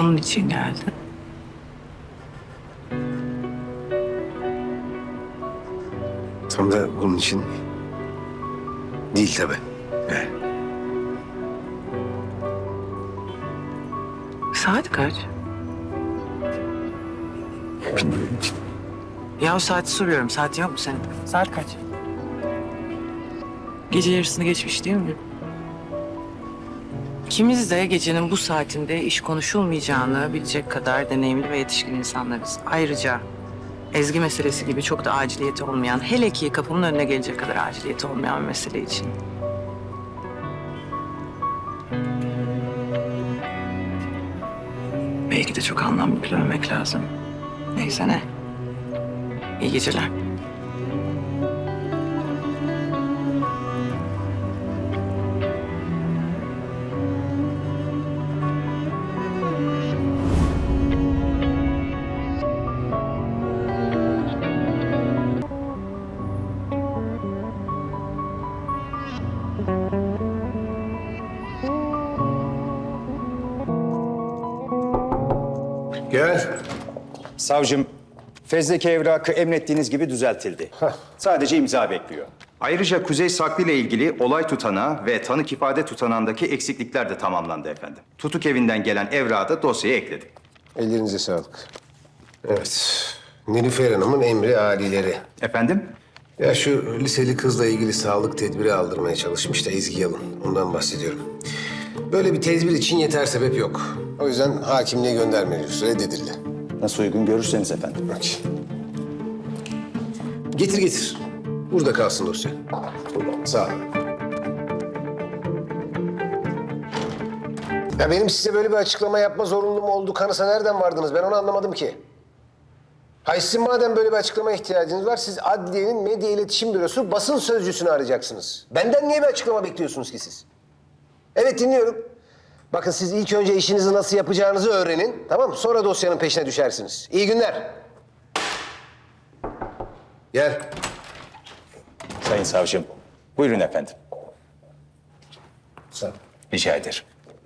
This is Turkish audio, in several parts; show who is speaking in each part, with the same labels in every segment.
Speaker 1: Bunun için geldin.
Speaker 2: Tam da bunun için değil tabii. Yani.
Speaker 1: Saat kaç?
Speaker 2: Bilmiyorum.
Speaker 1: Ya o saati soruyorum. Saatin yok mu senin? Saat kaç? Gece yarısını geçmiş değil mi? İkimiz de gecenin bu saatinde iş konuşulmayacağını bilecek kadar deneyimli ve yetişkin insanlarız. Ayrıca Ezgi meselesi gibi çok da aciliyeti olmayan, hele ki kapımın önüne gelecek kadar aciliyeti olmayan bir mesele için. Belki de çok anlamlı bilememek lazım. Neyse ne. İyi geceler.
Speaker 2: Gel.
Speaker 3: Savcım, fezleke evrakı emrettiğiniz gibi düzeltildi. Sadece imza bekliyor. Ayrıca Kuzey Saklı ile ilgili olay tutanağı ve tanık ifade tutanağındaki eksiklikler de tamamlandı efendim. Tutuk evinden gelen evrağı da dosyaya ekledik.
Speaker 2: Ellerinize sağlık. Evet. Nilüfer Hanım'ın emri âlileri.
Speaker 3: Efendim?
Speaker 2: Ya şu liseli kızla ilgili sağlık tedbiri aldırmaya çalışmış da Ezgi Yalın. Ondan bahsediyorum. Böyle bir tedbir için yeter sebep yok. O yüzden hakimliğe göndermeliyoruz. Reddedildi.
Speaker 3: Nasıl uygun görürseniz efendim.
Speaker 2: Bak. Getir getir. Burada kalsın dosya. Sağ ol. Ya benim size böyle bir açıklama yapma zorunluluğum olduğu kanısa nereden vardınız? Ben onu anlamadım ki. Hayır, sizin madem böyle bir açıklamaya ihtiyacınız var, siz Adliye'nin Medya İletişim Bürosu basın sözcüsünü arayacaksınız. Benden niye bir açıklama bekliyorsunuz ki siz? Evet, dinliyorum. Bakın, siz ilk önce işinizi nasıl yapacağınızı öğrenin, tamam mı? Sonra dosyanın peşine düşersiniz. İyi günler. Gel.
Speaker 3: Sayın savcım, buyurun efendim.
Speaker 2: Sağ ol.
Speaker 3: Rica ederim.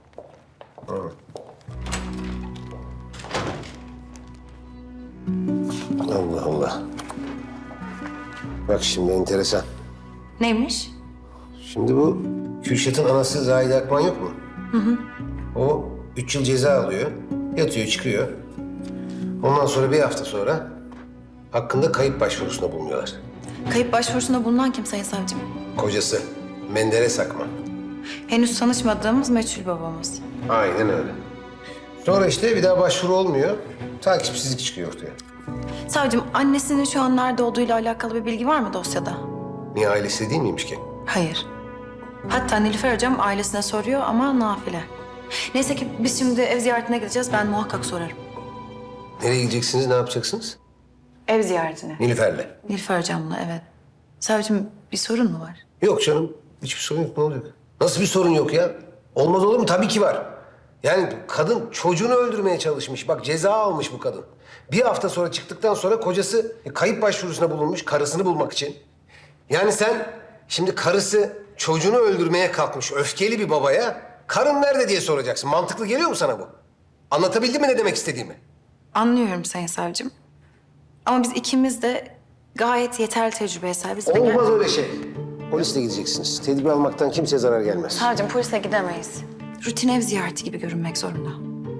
Speaker 2: Allah Allah. Bak şimdi enteresan.
Speaker 4: Neymiş?
Speaker 2: Şimdi bu Kürşat'ın anası Zahide Akman yok mu? O 3 yıl ceza alıyor. Yatıyor, çıkıyor. Ondan sonra bir hafta sonra hakkında kayıp başvurusunda bulunuyorlar.
Speaker 4: Kayıp başvurusunda bulunan kim Sayın Savcım?
Speaker 2: Kocası Menderes Akman.
Speaker 4: Henüz tanışmadığımız meçhul babamız.
Speaker 2: Aynen öyle. Sonra işte bir daha başvuru olmuyor. Takipsizlik çıkıyor ortaya.
Speaker 4: Savcım, annesinin şu an nerede olduğuyla alakalı bir bilgi var mı dosyada?
Speaker 2: Niye ailesi değil miymiş ki?
Speaker 4: Hayır. Hatta Nilüfer Hocam ailesine soruyor ama nafile. Neyse ki biz şimdi ev ziyaretine gideceğiz. Ben muhakkak sorarım.
Speaker 2: Nereye gideceksiniz, ne yapacaksınız?
Speaker 4: Ev ziyaretine.
Speaker 2: Nilüfer'le.
Speaker 4: Nilüfer Hocam'la, evet. Savcım, bir sorun mu var?
Speaker 2: Yok canım, hiçbir sorun yok. Ne olacak? Nasıl bir sorun yok ya? Olmaz olur mu? Tabii ki var. Yani kadın çocuğunu öldürmeye çalışmış. Bak, ceza almış bu kadın. Bir hafta sonra çıktıktan sonra kocası kayıp başvurusuna bulunmuş karısını bulmak için. Yani sen şimdi karısı çocuğunu öldürmeye kalkmış öfkeli bir babaya karın nerede diye soracaksın. Mantıklı geliyor mu sana bu? Anlatabildim mi ne demek istediğimi?
Speaker 4: Anlıyorum Sayın Savcım. Ama biz ikimiz de gayet yeterli tecrübeye sahibiz.
Speaker 2: Olmaz öyle şey. Polisle gideceksiniz. Tedbir almaktan kimseye zarar gelmez.
Speaker 4: Savcım, polise gidemeyiz. Rutin ev ziyareti gibi görünmek zorunda.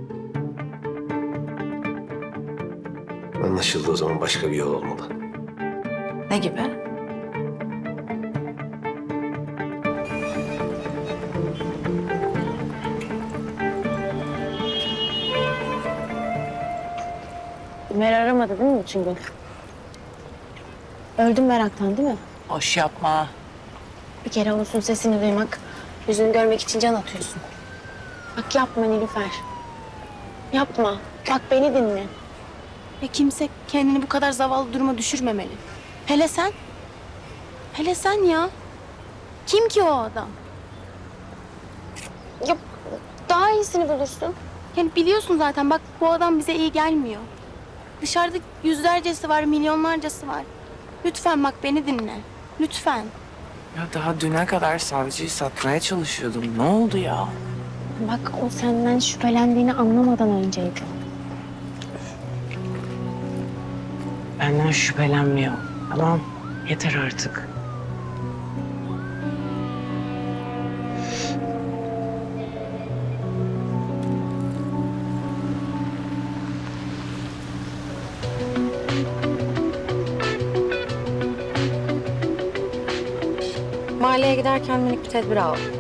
Speaker 2: Anlaşıldı, o zaman başka bir yol olmalı.
Speaker 4: Ne gibi?
Speaker 5: Ömer aramadı değil mi bütün gün? Öldüm meraktan değil mi?
Speaker 1: Boş yapma.
Speaker 5: Bir kere olsun sesini duymak, yüzünü görmek için can atıyorsun. Bak yapma Nilüfer. Yapma. Bak beni dinle. Ve kimse kendini bu kadar zavallı duruma düşürmemeli. Hele sen. Hele sen ya. Kim ki o adam? Ya daha iyisini bulursun. Yani biliyorsun zaten bak bu adam bize iyi gelmiyor. Dışarıda yüzlercesi var, milyonlarcası var. Lütfen bak beni dinle. Lütfen.
Speaker 1: Ya daha düne kadar savcıyı satmaya çalışıyordum. Ne oldu ya?
Speaker 5: Bak o senden şüphelendiğini anlamadan önceydi.
Speaker 1: Benden şüphelenmiyor. Tamam, yeter artık.
Speaker 4: Mahalleye giderken minik bir tedbir aldım.